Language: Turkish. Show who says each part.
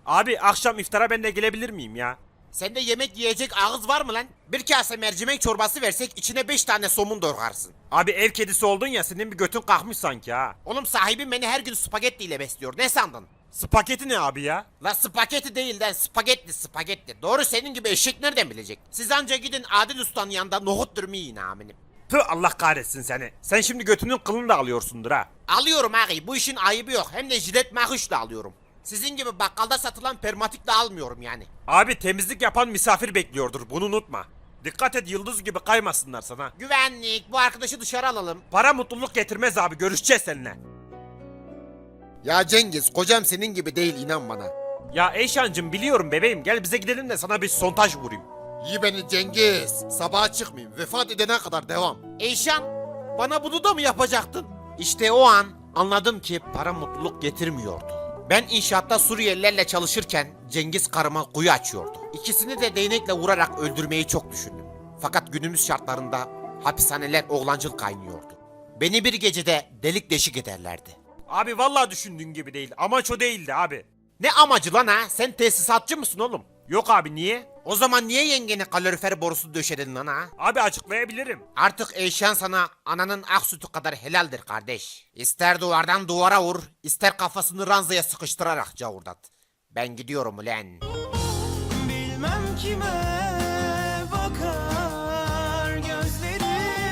Speaker 1: Abi akşam iftara ben de gelebilir miyim ya?
Speaker 2: Sende yemek yiyecek ağız var mı lan? Bir kase mercimek çorbası versek içine 5 tane somun doğrarsın.
Speaker 1: Abi ev kedisi oldun ya, senin bir götün kalkmış sanki ha.
Speaker 2: Oğlum sahibim beni her gün spagetti ile besliyor. Ne sandın?
Speaker 1: Spagetti ne abi ya?
Speaker 2: La spagetti değil lan, spagetti. Doğru, senin gibi eşek nereden bilecek? Siz anca gidin Adil Usta'nın yanında nohut dürümü yiyin aminim.
Speaker 1: Tüh, Allah kahretsin seni. Sen şimdi götünün kılını da alıyorsundur ha.
Speaker 2: Alıyorum ağabey, bu işin ayıbı yok. Hem de jilet mahuşla alıyorum. Sizin gibi bakkalda satılan permatikle almıyorum yani.
Speaker 1: Abi temizlik yapan misafir bekliyordur, bunu unutma. Dikkat et, yıldız gibi kaymasınlar sana.
Speaker 2: Güvenlik, bu arkadaşı dışarı alalım.
Speaker 1: Para mutluluk getirmez abi, görüşeceğiz seninle.
Speaker 2: Ya Cengiz, kocam senin gibi değil, inan bana.
Speaker 1: Ya Eyşancım, biliyorum bebeğim, gel bize gidelim de sana bir sontaj vurayım.
Speaker 2: İyi beni Cengiz. Sabaha çıkmayayım. Vefat edene kadar devam. Eyşan, bana bunu da mı yapacaktın? İşte o an anladım ki para mutluluk getirmiyordu. Ben inşaatta Suriyelilerle çalışırken Cengiz karıma kuyu açıyordu. İkisini de değnekle vurarak öldürmeyi çok düşündüm. Fakat günümüz şartlarında hapishaneler oğlancıl kaynıyordu. Beni bir gecede delik deşik ederlerdi.
Speaker 1: Abi vallahi düşündüğün gibi değil, amaç o değildi abi.
Speaker 2: Ne amacı lan ha? Sen tesisatçı mısın oğlum?
Speaker 1: Yok abi, niye?
Speaker 2: O zaman niye yengene kalorifer borusu döşedin lan ha?
Speaker 1: Abi açıklayabilirim.
Speaker 2: Artık Eyşan sana ananın ak sütü kadar helaldir kardeş. İster duvardan duvara vur, ister kafasını ranzaya sıkıştırarak cavurdat. Ben gidiyorum ulen.
Speaker 3: Bilmem kime